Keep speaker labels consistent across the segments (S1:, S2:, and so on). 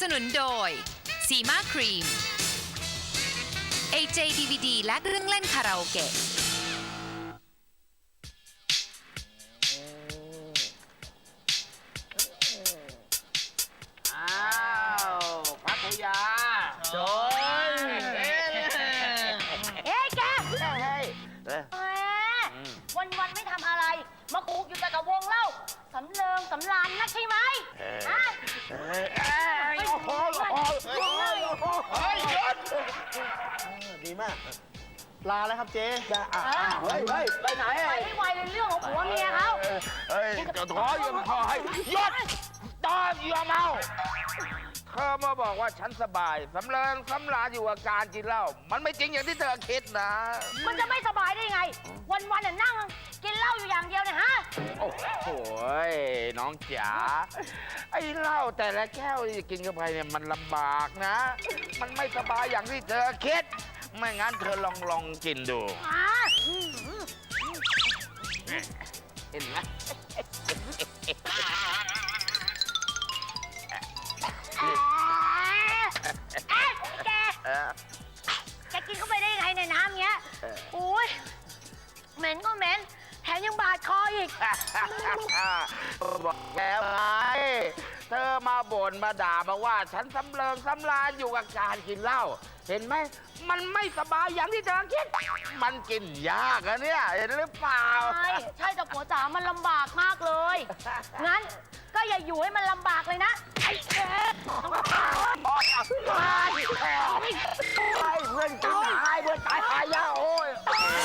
S1: สนุนโดยซีมาครีม AJ DVD และเครื่องเล่นคาราโอเกะ
S2: อ้าวพัทยาชน
S3: แกวันไม่ทำอะไรมาคุกอยู่แต่กับวงเล่าสำเริงสำรานนักใช่ไหมฮะ
S2: โอ้โห
S4: ดีมากลาแล้วครับเจ๊เฮ้ยไปไหน
S3: ไปให้ไวเลยเรื่องของผัวเมียเขา
S2: เฮ้ยจะท้อยังพอให้หยุดตอนยอมเอาเธอมาบอกว่าฉันสบายสำเริงสำราญอยู่กับการกินเหล้ามันไม่จริงอย่างที่เธอคิดนะ
S3: มันจะไม่สบายได้ไงวันน่ะนั่งกินเหล้าอยู่อย่างเดียวเนี่ยฮะ
S2: โอ้โหน้องจ๋าไอ้เหล้าแต่ละแก้วที่กินเข้าไปเนี่ยมันลำบากนะมันไม่สบายอย่างที่เธอคิดไม่งั้นเธอลองกินดูเห็นไหม
S3: แกกินเข้าไปได้ไงในน้ำเงี้ยอุ้ยเหม็นก็เหม็นแถมยังบาดคออีก
S2: บอกแล้วไงเธอมาบ่นมาด่ามาว่าฉันสำเริงสำราญอยู่กับการกินเหล้าเห็นไหมมันไม่สบายอย่างที่เธอคิดมันกินยากอะเนี่ยเห็นหรือเปล่า
S3: ใช่แต่ผัวจ๋ามันลำบากมากเลยงั้นก็อย่าอยู่ให้มันลำบากเลยนะไอ้แก
S2: เพื่อนตายเพื่อนตายหายาโอ้ย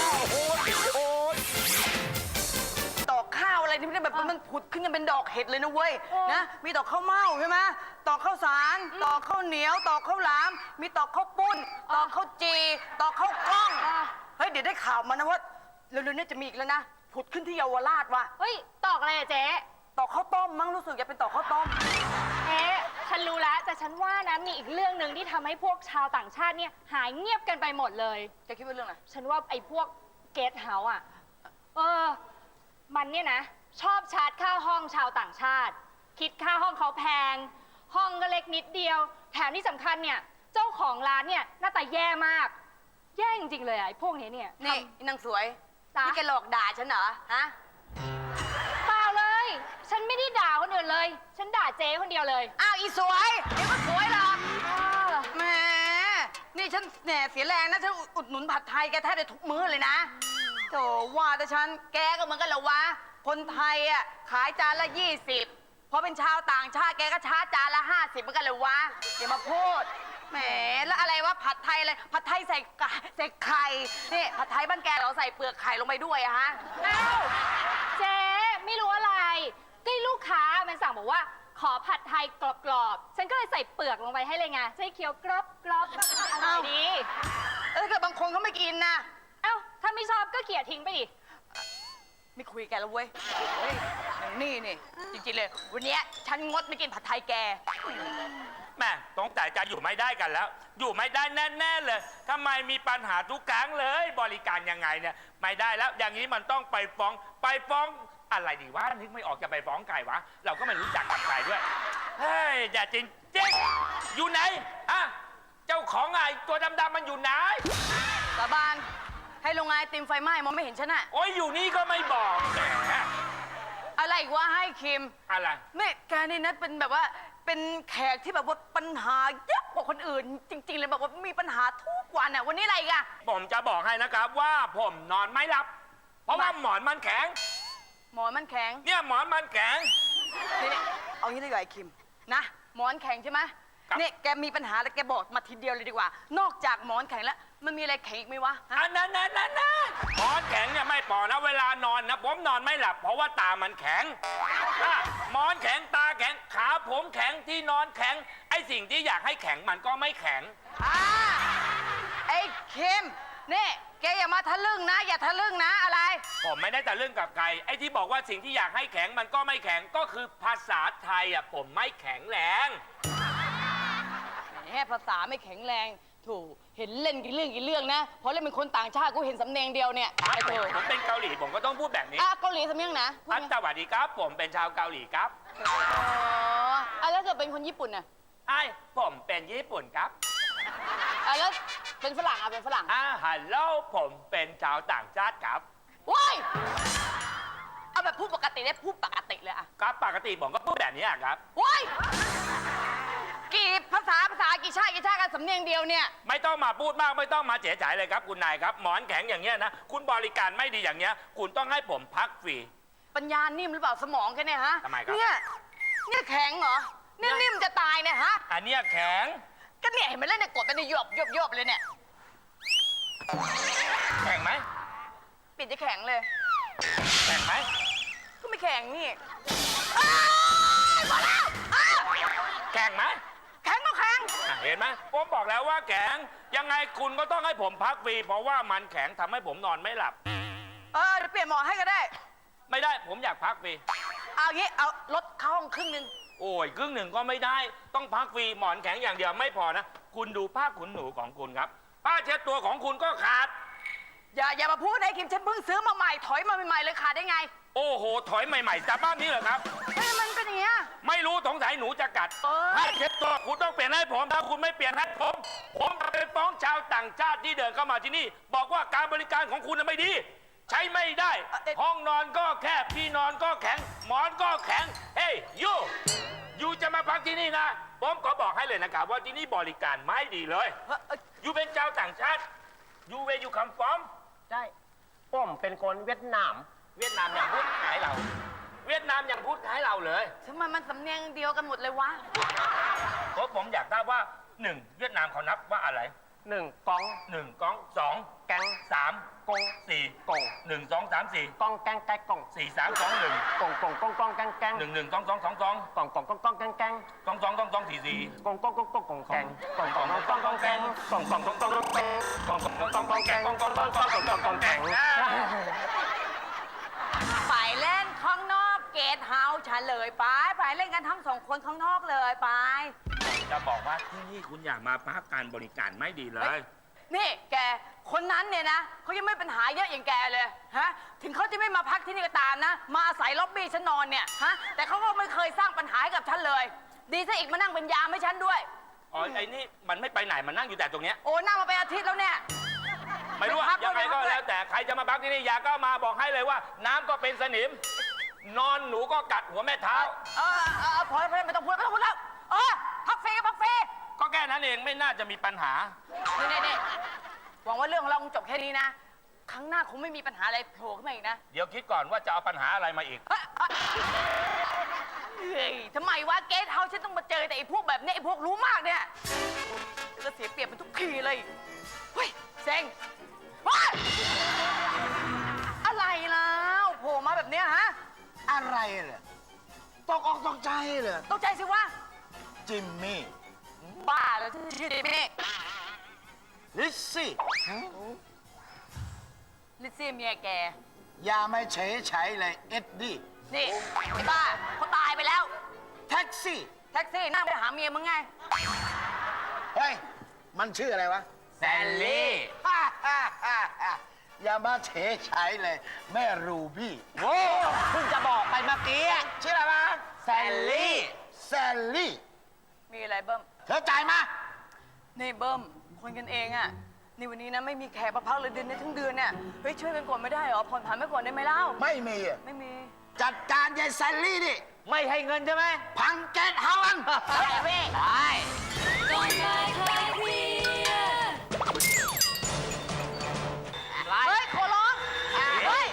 S5: ดอกข้าวอะไรที่แบบมันผุดขึ้นกันเป็นดอกเห็ดเลยนะเว้ยนะมีดอกข้าวเม่าใช่ไหมดอกข้าวสารดอกข้าวเหนียวดอกข้าวหลามมีดอกข้าวปุ้นดอกข้าวจีดอกข้าวกล้องเฮ้ยเดี๋ยวได้ข่าวมานะว่าเร็วๆนี้จะมีอีกแล้วนะผุดขึ้นที่เยาวราชว่ะ
S3: เฮ้ยตอกอะไรอะเจ๊
S5: ตอกข้าวต้มมั้งรู้สึกจะเป็นตอกข้าวต้ม
S6: ฉันรู้แล้วแต่ฉันว่านะมีอีกเรื่องหนึ่งที่ทำให้พวกชาวต่างชาติเนี่ยหายเงียบกันไปหมดเลย
S5: จะคิดว่าเรื่องอะไร
S6: ฉันว่าไอ้พวกเกสต์เฮาส์อ่ะมันเนี่ยนะชอบชาร์จค่าห้องชาวต่างชาติคิดค่าห้องเขาแพงห้องก็เล็กนิดเดียวแถมที่สำคัญเนี่ยเจ้าของร้านเนี่ยหน้าตาแย่มากแย่จริงๆเลยไอ้พวกนี้เนี่ย
S5: นี่นางสวยนี่แกหลอกด่าฉันเหรอฮะ
S6: เปล่าเลยฉันไม่ได้ด่าคนอื่นเลยฉันด่าเจ๊คนเดียวเลย
S5: อ้าวอีสวยเดี๋ยวก็สวยหรอแหมนี่ฉันแหน่เสียแรงนะฉันอุดหนุนผัดไทยแกแทบจะทุกมื้อเลยนะโธ่ว่าแต่ฉันแกก็เหมือนกันเหรอวะคนไทยอ่ะขายจานละ20พอเป็นชาวต่างชาติแกก็ชาร์จจานละ50เหมือนกันเลยวะอย่ามาพูดแหมแล้วอะไรวะผัดไทยอะไรผัดไทยใส่ไข่นี่ผัดไทยบ้านแกเราใส่เปลือกไข่ลงไปด้วยอะฮะ
S6: อ้าวเจ๊ไม่รู้อะไรก็ลูกค้ามันสั่งบอกว่าขอผัดไทยกรอบๆฉันก็เลยใส่เปลือกลงไปให้เลยไงจะให้เคี้ยวกรอบอร่อยดี
S5: เกิดบางคนเขาไม่กินนะ
S6: เอ้าถ้าไม่ชอบก็เขี่ยทิ้งไปดิ
S5: ไม่คุยกันแล้วเว้ยนี่จริงๆเลยวันนี้ฉันงดไม่กินผัดไทยแก
S7: แม่ต้องแต่จะอยู่ไม่ได้กันแล้วอยู่ไม่ได้แน่ๆเลยทำไมมีปัญหาทุกครั้งเลยบริการยังไงเนี่ยไม่ได้แล้วอย่างนี้มันต้องไปฟ้องอะไรดีวะนึกไม่ออกจะไปฟ้องใครวะเราก็ไม่รู้จักกับใครด้วยเฮ้ยอย่าจริงอยู่ไหนอะเจ้าของไอ้ตัวดำๆมันอยู่ไหน
S5: สาบานให้โรงงานติมไฟไหม้มองไม่เห็นฉันอะ
S7: โอ้ยอยู่นี่ก็ไม่บอกแหม
S5: อะไรอีกวะให้คิม
S7: อะไร
S5: ไม่แกนี่นะเป็นแบบว่าเป็นแขกที่แบบว่าปัญหาเยอะกว่าคนอื่นจริงๆเลยแบบว่ามีปัญหาทุกวันอะวันนี้อะไรกัน
S7: ผมจะบอกให้นะครับว่าผมนอนไม่หลับเพราะว่าหมอนมันแข็ง
S5: หมอนมันแข็ง
S7: เนี่ยหมอนมันแข็ง
S5: นี่เอางี้ดีกว่าไอ้คิมนะหมอนแข็งใช่ไหมนี่แกมีปัญหาแล้วแกบอกมาทีเดียวเลยดีกว่านอกจากหมอนแข็งแล้วมันมีอะไรแข็งอีกไหมวะ
S7: นั่นหมอนแข็งเนี่ยไม่พอนะเวลานอนนะผมนอนไม่หลับเพราะว่าตามันแข็งหมอนแข็งตาแข็งขาผมแข็งที่นอนแข็งไอ้สิ่งที่อยากให้แข็งมันก็ไม่แข็ง
S5: ไอ้คิมนี่แกอย่ามาทะลึ่งนะอย่าทะลึ่งนะอะไร
S7: ผมไม่ได้ทะลึ่งกับใครไอ้ที่บอกว่าสิ่งที่อยากให้แข็งมันก็ไม่แข็งก็คือภาษาไทยอ่ะผมไม่แข็งแรง
S5: แค่ภาษาไม่แข็งแรงถูกเห็นเล่นกี่เรื่องนะเพราะเล่นเป็นคนต่างชาติกูเห็นสำเนียงเดียวเนี่ย
S7: ผมเป็นเกาหลีผมก็ต้องพูดแบบนี้
S5: เกาหลีสำเนียงนะ
S7: สวัสดีครับผมเป็นชาวเกาหลีครับ
S5: แล้วเกิดเป็นคนญี่ปุ่นน่ะ
S7: ไอ้ผมเป็นญี่ปุ่นครับ
S5: แล้วเป็นฝรั่งเป็นฝรั่ง
S7: ฮัลโหลผมเป็นชาวต่างชาติครับ
S5: ว้ายเอาแบบพูดปกติได้พูดปกติเลยอะ
S7: ครับปกติผมก็พูดแบบนี้ครับ
S5: ว้ายกี่ภาษากี่ชาติกันสำเนียงเดียวเนี่ย
S7: ไม่ต้องมาพูดมากไม่ต้องมาเจ๋ยๆเลยครับคุณนายครับหมอนแข็งอย่างเงี้ยนะคุณบริการไม่ดีอย่างเงี้ยคุณต้องให้ผมพักฟรี
S5: ปัญญานิ่มหรือเปล่าสมองแค่เนี่ยฮะ
S7: ทำไมครับ
S5: เนี่ยแข็งเหรอเนี่ยนิ่มจะตายเนี่ยฮะ
S7: อันเนี้ยแข็ง
S5: ก็เนี่ยเห็นไหมเล่นเนี่ยกดไปในยบเลยเนี่ย
S7: แข็งไหม
S5: ปิดจะแข็งเลย
S7: แข็งไหม
S5: ก็ไม่แข็งนี่อ้ายพอแล้วอ้าว
S7: แข็งไหม
S5: แข็งก็แข็ง
S7: เห็นไหมผมบอกแล้วว่าแข็งยังไงคุณก็ต้องให้ผมพักฟรีเพราะว่ามันแข็งทำให้ผมนอนไม่หลับ
S5: เดี๋ยวเปลี่ยนหมอให้ก็ได้
S7: ไม่ได้ผมอยากพักฟรี
S5: เอางี้เอารถเข้าห้องครึ่งนึง
S7: โอ้ยครึ่งหนึ่งก็ไม่ได้ต้องพักฟรีหมอนแข็งอย่างเดียวไม่พอนะคุณดูผ้าขนหนูของคุณครับผ้าเช็ดตัวของคุณก็ขาด
S5: อย่ามาพูดนะคิมฉันเพิ่งซื้อมาใหม่ถอยมาใหม่ๆเลยขาดได้ไง
S7: โอ้โหถอยใหม่ๆจากบ้านนี้เหรอครับ
S5: เฮ้ยมันเป็นอย่างเงี้ย
S7: ไม่รู้สงสัยหนูจะกัด
S5: เอ้ย
S7: ผ้าเช็ดตัวคุณต้องเปลี่ยนให้ผมถ้าคุณไม่เปลี่ยนให้ผมจะไปฟ้องชาวต่างชาติที่เดินเข้ามาที่นี่ บอกว่าการบริการของคุณน่ะไม่ดี ใช้ไม่ได้ ห้องนอนก็แคบที่นอนก็แข็งหมอนก็แข็งเฮ้ยยูจะมาพักที่นี่นะผมขอบอกให้เลยนะครับว่าที่นี่บริการไม่ดีเลยยูเป็นชาวต่างชาติยูเวยูคัมฟอม
S4: ใช่ผมเป็นคนเวียดนาม
S7: เวียดนามอย่างพูดขายเรา เวียดนามอย่างพูดขายเราเลย
S5: ทำไมมันสำเนียงเดียวกันหมดเลยวะ
S7: เพราะผมอยากทราบว่าหนึ่งเวียดนามเขานับว่าอะไร
S4: 1กอง
S7: หนึ่งกองสอง
S4: แกง
S7: สาม
S4: กง
S7: สี่
S4: กง
S7: หนึ่งสองสามสี่
S4: กองแกงแกงกง
S7: สี่สามสองหนึ่ง
S4: กงแกงแกง
S7: หนึ่งหนึ่งสองสองสองสอง
S4: กงแกงแกง
S7: สองสองสองสองสี่สี่
S4: กงแกงกงแกงกงแกงกงแกง
S5: ไปเล่นข้างนอกเกตเฮาส์เฉลยไปเล่นกันทั้งสองคนข้างนอกเลยไป
S7: จะบอกว่าที่นี่คุณอยากมาพักการบริการไม่ดีเลย
S5: นี่แกคนนั้นเนี่ยนะเขายังไม่ปัญหาเยอะอย่างแกเลยฮะถึงเขาจะไม่มาพักที่นี่ก็ตามนะ มาอาศัยล็อบบี้ฉันนอนเนี่ยฮะแต่เขาก็ไม่เคยสร้างปัญหาให้กับฉันเลย ดีซะอีกมานั่งเป็นยามให้ฉันด้วย
S7: อ๋อไอ้นี่มันไม่ไปไหนมันนั่งอยู่แต่ตรงเนี้ย
S5: โอ้นั่งมาเป็นอาทิตย์แล้วเนี่ย
S7: ไม่รู้
S5: ไม่พัก
S7: ยังไงก็
S5: ไม่พัก
S7: แล้วแต่ใครจะมาพักที่นี่อยากก็มาบอกให้เลยว่า น้ำก็เป็นสนิม นอนหนูก็กัดหัวแม่เท้า
S5: พอแล้วไม่ต้องพูดแล้วพักฟรีก็พักฟรี
S7: ก็แค่นั้นเองไม่น่าจะมีปัญหา
S5: นี่หวังว่าเรื่องของเราคงจบแค่นี้นะ ครั้งหน้าคงไม่มีปัญหาอะไรโผล่ขึ้นมาอีกนะ
S7: เดี๋ยวคิดก่อนว่าจะเอาปัญหาอะไรมาอีก
S5: เฮ้ยทำไมวะเกสเฮาฉันต้องมาเจอแต่ไอ้พวกแบบเนี้ยไอ้พวกรู้มากเนี่ยก็เสียเปรียบมันทุกทีเลยเฮ้ยเซ็งเฮ้ยอะไรแล้วโผล่มาแบบเนี้ยฮะ
S2: อะไรเหรอตกอกตกใจเหรอ
S5: ตกใจสิวะ
S2: จิมมี่
S5: บ้าแล้วชื่อดิมี่
S2: ลิซซี่
S5: ลิซซี่เมียแก
S2: อย่ามาเฉยเฉยเลยเอ็ดดี้
S5: นี่ไอ้บ้าเขาตายไปแล้ว
S2: แท็กซี่
S5: แท็กซี่นั่งไปหาเมียมึงไง
S2: เฮ้ยมันชื่ออะไรวะ
S7: แซลลี่
S2: อย่ามาเฉยเฉยเลยแม่รูบี้
S4: โอ้เพิ่งจะบอกไปเมื่อกี้
S2: ชื่ออะไรวะ
S4: แซลลี่
S2: แซลลี่
S5: มีอะไรเบิ้ม
S2: เธอจ่ายมา
S5: นี่เบิ้มคนกันเองอะนี่วันนี้นะไม่มีแขกมาพักเลยเดือนนี้ทั้งเดือนเนี่ยเฮ้ยช่วยกันก่อนไม่ได้เหรอผ่อนผันไปก่อนได้ไหมเล่า
S2: ไม่มีอะ
S5: ไม่มี
S2: จัดการยายแซลลี่ดิ
S4: ไม่ให้เงินใช่ไหม
S2: พังเกตเฮาอัน
S5: ใช่พี่ เฮ้ยขอร้องเฮ้ย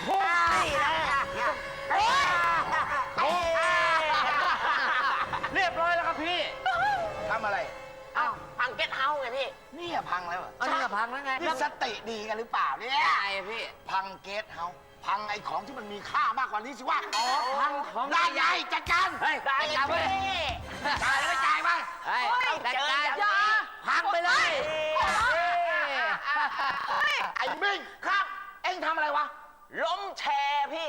S4: เรียบร้อยแล้วครับพี่
S2: ทำอะไร
S5: อ้าวพังเก็ตเฮาส์ไงพี่
S2: นี่อะพังแล้วเหรอ
S4: อันนี้พังแล้วไง
S2: นี่สติดีกันหรือเปล่าเนี่ย
S5: ใช่พี่
S2: พังเกตเฮาพังไอ้ของที่มันมีค่ามากกว่านี้สิวะ
S4: อ๋อพังของ
S2: ได้ไงจัดการ
S4: เฮ้ยได้จับเลย
S2: จ่ายแล้วไม่จ่ายมา
S4: เฮ้ยจัดการ
S5: อย่า
S4: พังไปเลย
S2: ไอ้มิ่งครับ เอ็งทำอะไรวะ
S4: ล้มแชร์พี่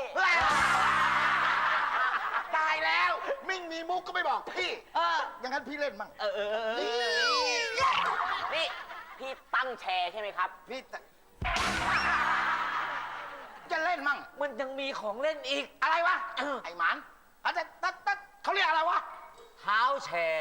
S2: ตายแล้ว มิ่งมีมุกก็ไม่บอกพี่อย่างนั้นพี่เล่นมั่งนี่
S4: นี่พี่ตั้งแชร์ใช่ไหมครับ
S2: พี่จะเล่นมั่ง
S4: มันยังมีของเล่นอีก
S2: อะไรวะ ไอ้หมานเขาเรียกอะไรวะ
S4: ฮ
S8: ท้าแชร์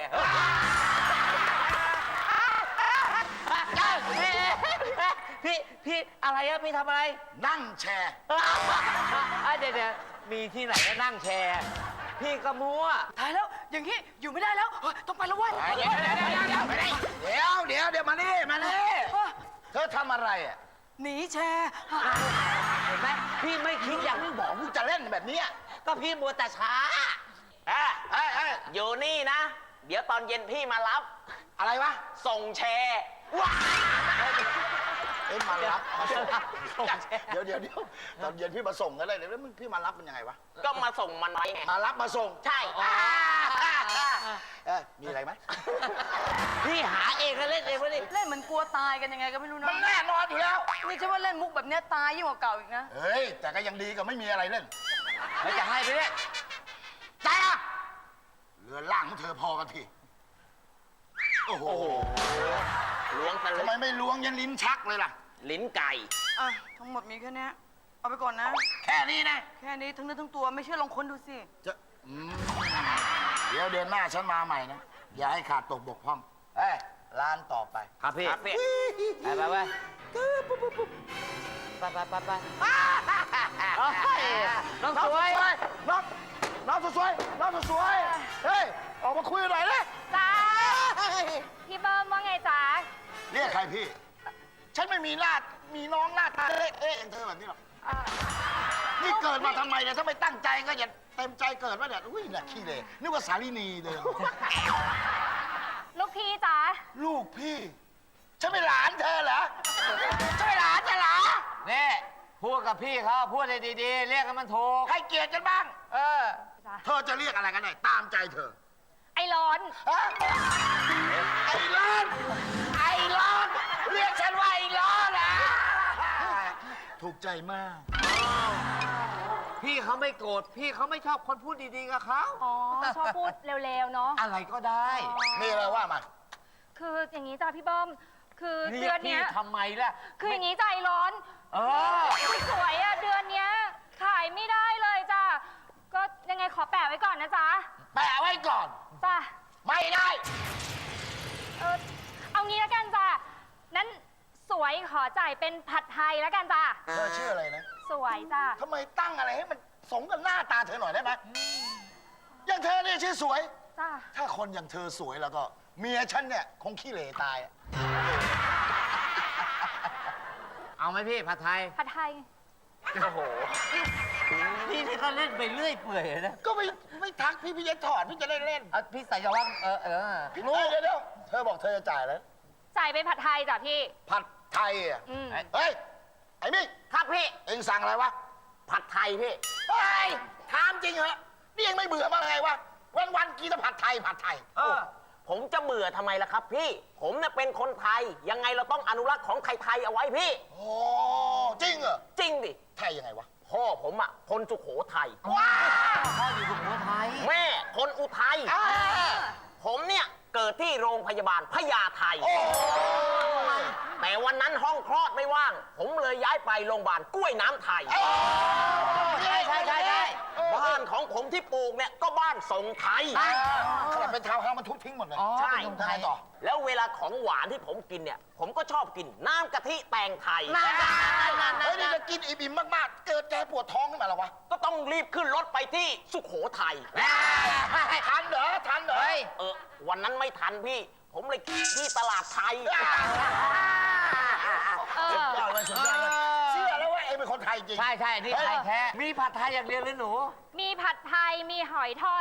S8: พี่อะไรอะพี่ทำอะไร
S2: นั่งแชร์
S8: เดี๋ยวมีที่ไหนก็นั่งแชร์ พี่ก็มั่ว
S5: ตายแล้ว อย่างนี้อยู่ไม่ได้แล้วเฮ้ยต้องไปแล้วเว้ย
S2: เดี๋ยวมานี่เธอทำอะไรอ่ะ
S5: หนีแชร์
S8: เห็นไหมพี่ไม่คิดอย่างที่บอก
S2: กูจะเล่นแบบเนี้ย
S8: ก็พี่มัวแต่ช้า
S9: อยู่นี่นะ เดี๋ยวตอนเย็นพี่มารับ
S2: อะไรวะ
S9: ส่งแชร์
S2: มารับมาส่งเดี๋ยวตอนเย็นพี่มาส่งกันเลยเดี๋ยวพี่มารับมันยังไงวะ
S9: ก็มาส่งมันไว้ไง
S2: มารับมาส่ง
S9: ใช่
S2: มีอะไรไหม
S8: พี่หาเองแล้วเล่นเองวะนี่
S5: เล่นเหมือนกลัวตายกันยังไงก็ไม่รู้นะ
S2: มันแน่นอนอยู่แล้ว
S5: นี่ฉันว่าเล่นมุกแบบเนี้ยตายยิ่งกว่าเก่าอีกนะ
S2: เฮ้ยแต่ก็ยังดีกว่าไม่มีอะไรเล่น
S8: แล้วจะให้ไปเนี่ย
S2: ใจอ่ะเรือล่างของเธอพอกันทีโอ้โห
S9: ล้วงส
S2: ทำ
S9: ลึ
S2: ไม
S9: ง
S2: ไม่ล้วงยันลิ้นชักเลยล่ะ
S9: ลิ้นไก่
S5: อ่ะ ทั้งหมดมีแค่เนี้ยเอาไปก่อนนะ
S2: แค่นี้นะ
S5: แค่นี้ทั้งเนื้อทั้งตัวไม่เชื่อลองค้นดูสิ
S2: เดี๋ยวเดือนหน้าฉันมาใหม่นะ อย่าให้ขาดตกบกพร่องเฮ้ยร้านต่อไป
S8: ครับพี่
S9: ครับพี่
S8: ไปน้องสวย
S2: น้องสวยเฮ้ย ออกมาคุยหน่อยเลย
S6: จ้า พี่เบิ้มว่าไงจ๊ะ
S2: เรียกใครพี่ ฉันไม่มีมีน้องหน้าตาเล็กอย่างเธอแบบนี้หรอกนี่เกิดมาทำไมเนี่ยถ้าไม่ตั้งใจก็อย่าเต็มใจเกิดมาเนี่ยอุ้ยน่ะขี้เลยนึกว่าสาลีนีเดิน
S6: ลูกพี่จ๊ะ
S2: ลูกพี่ ฉันเป็นหลานเธอเหรอฉันเป็นหลานเธอเหรอ
S8: นี่พูดกับพี่เขาพูดให้ดีๆ เรียกให้มันถูก
S2: ให้เกียรติกันบ้าง
S6: จ้ะ
S2: เธอจะเรียกอะไรกันได้ตามใจเธอ
S6: ไอ้ร้อน
S2: ฮะไอ้ร้อนเรียกฉันว่าไอ้ร้อนนะถูกใจมาก
S8: พี่เขาไม่โกรธพี่เขาไม่ชอบคนพูดดีๆกับเขา
S6: อ๋อ ชอบพูดเร็วๆเนาะ
S8: อะไรก็ได้
S2: มีอะไรว่ามา
S6: คืออย่างนี้จ้ะพี่เบิ้มคือ
S8: เรี
S6: เดื
S8: ย
S6: อก น
S8: พี่
S6: เนี้ย
S8: ทำไมล่ะ
S6: คืออย่างนี้ใจร้อน
S8: เออ
S6: สวยๆอ่ะเดือนเนี้ยขายไม่ได้เลยจ้ะ ก็ยังไงขอแปะไว้ก่อนนะจ๊ะ
S2: แปะไว้ก่อน
S6: จ้ะ
S2: ไม่ได้
S6: เอางี้แล้วกันจ้ะ นั้นสวยขอจ่ายเป็นผัดไทยแล้วกันจ้ะ
S2: เธอชื่ออะไรนะ
S6: สวยจ้ะ
S2: ทำไมตั้งอะไรให้มันสมกับหน้าตาเธอหน่อยได้ไหมอย่างเธอเนี่ยชื่อสวย
S6: จ้ะ
S2: ถ้าคนอย่างเธอสวยแล้วก็ เมียฉันเนี่ยคงขี้เหร่ตายอะ
S8: เอาไหมพี่ผัดไทย
S6: ผัดไทย
S8: โอ้โห พี่นี่ก็เล่นไปเรื่อยเปื่อยนะ
S2: ก็ไม่ทักพี่จะถอดพี่จะได้เล่น
S8: เอาพี่ใส่จะว่าง
S2: รู้เดี๋ยวเธอบอกเธอจะจ่ายแล้ว
S6: จ่ายเป็นผัดไทยจ้ะพี่
S2: ผัดไทยอ่ะ
S6: อืม
S2: เฮ้ย ไอ้มิ่ง
S9: ครับพี่
S2: เอ็งสั่งอะไรวะ
S9: ผัดไทยพี่
S2: เฮ้ยถามจริงเหรอนี่ยังไม่เบื่อมาไงวะวันกินแต่ผัดไทย
S9: ผมจะเบื่อทำไมล่ะครับพี่ ผมเนี่ยเป็นคนไทย ยังไงเราต้องอนุรักษ์ของไทยๆเอาไว้พี่
S2: โอ้จริงเหรอ
S9: จริงดิ
S2: ไทยยังไงวะ
S9: พ่อผมอ่ะคนสุโขทัย
S8: พ่ออยู่สุโขทัย
S9: แม่คนอุทัย
S2: อ่า
S9: ผมเนี่ยเกิดที่โรงพยาบาลพญาไท แต่วันนั้นห้องคลอดไม่ว่าง ผมเลยย้ายไปโรงพยาบาลกล้วยน้ำไทย
S8: ใช่
S9: บ้านของผมที่ปลูกเนี่ยก็บ้านทรงไทย
S2: ขนาดเป็นทาวน์เฮาส์มันทุบทิ้งหมดเลย
S9: ใช่
S2: เป็นคนไทยต่อ
S9: แล้วเวลาของหวานที่ผมกินเนี่ย ผมก็ชอบกินน้ำกะทิแตงไทย
S2: เฮ้ยนี่จะกินอิ่มๆมากๆ เกิดแกปวดท้องขึ้นมาแล้ววะ
S9: ก็ต้องรีบขึ้นรถไปที่สุโขทัย
S2: ทันเหรอ
S9: วันนั้นไม่ทันพี่ ผมเลยที่ตลาดไทย
S2: สุดยอดเลยเชื่อแล้วว่าเองเป็นคนไทยจริง
S8: ใช่นี่ไทยแท้ มีผัดไทยอย่างเดียวหรือหนู
S6: มีผัดไทย มีหอยทอด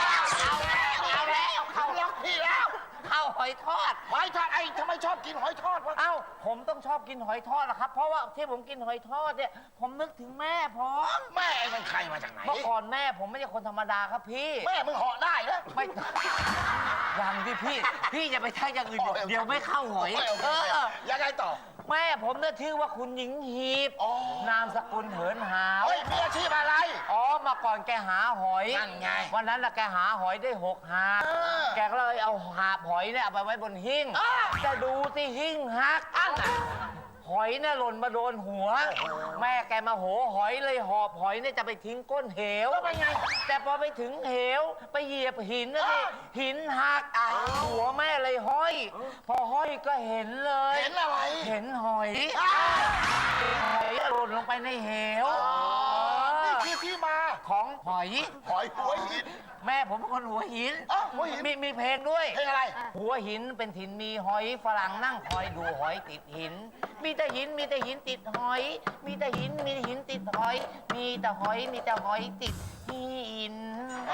S2: เขาล็อกพี่แล้ว
S8: ข้าวหอยทอด
S2: หอยทอดไอ้ทำไมชอบกินหอยทอดวะ
S8: เอ้า ผมต้องชอบกินหอยทอดนะครับ เพราะว่าที่ผมกินหอยทอดเนี่ย ผมนึกถึงแม่ผม
S2: แม่เองเป็นใครมาจากไหน
S8: เมื่อก่อนแม่ผมไม่ใช่คนธรรมดาครับพี่
S2: แม่มึงเหาะได้นะ
S8: ไม่ ยังที่พี่อย่าไปทักอย่างอื่นเดี๋ยวไม่เข้าหอย
S2: โอเคยังไงต่อ
S8: แม่ผมเนี่ยชื่อว่าคุณหญิงหีบ
S2: อ๋อ
S8: นามสกุลเหินหาว
S2: เฮ้ยมีอาชีพอะไร
S8: อ๋อมาก่อนแกหาหอย
S2: นั่นไง
S8: วันนั้นน่ะแกหาหอยได้6 หาบ
S2: เออ
S8: แกก็เลยเอาหาบหอยเนี่ยเอาไปไว้บนหิ้ง
S2: อ้าว
S8: จะดูที่หิ้งหักหอยเนี่ยหล่นมาโดนหัว แม่แกมาโหหอยเลยหอบหอยเนี่ยจะไปทิ้งก้นเหวแล้วเป็นไง แต่พอไปถึงเหวไปเหยียบหินนะดิหินหักหัวแม่เลยห้อย พอห้อยก็เห็นเลย
S4: เห็นอะไร
S8: เห็นหอยหอยหล่นลงไปในเหว
S4: นี่คือที่มา
S8: ของหอย
S4: หอยหัวหิน
S8: แม่ผมเป็นคนหัวหิน
S4: หัวหิน
S8: มีเพลงด้วย
S4: เพลงอะไร
S8: หัวหินเป็นถิ่นมีหอยฝรั่งนั่งคอยดูหอยติดหิน มีแต่หินมีแต่หินติดหอย มีแต่หินมีแต่หินติดหอย มีแต่หอยมีแต่หอยติดหิน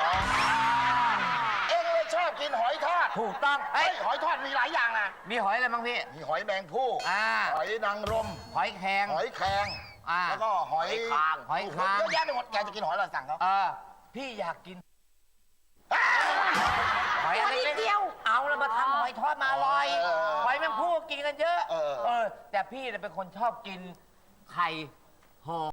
S4: เอ็งเลยชอบกินหอยทอด
S8: ถูกต้อง
S4: เฮ้
S8: เอ้
S4: ย
S8: ย
S4: หอยทอดมีหลายอย่างนะ
S8: มีหอยอะไรบ้างพี่
S4: มีหอยแมงผู้ หอยนางรม
S8: หอยแครง
S4: หอยแครง แล้วก็หอย
S9: คาง
S8: หอยคาง
S4: เยอะแยะไปหมดแกจะกินหอยอะไรสั่งเขา
S8: พี่อยากกิน หอยอะไรเดียว เอาแล้วมาทำหอยทอดมาอร่อย หอยแมงผู้กินกันเยอะ แต่พี่เนี่ยเป็นคนชอบกินไข่ห่อ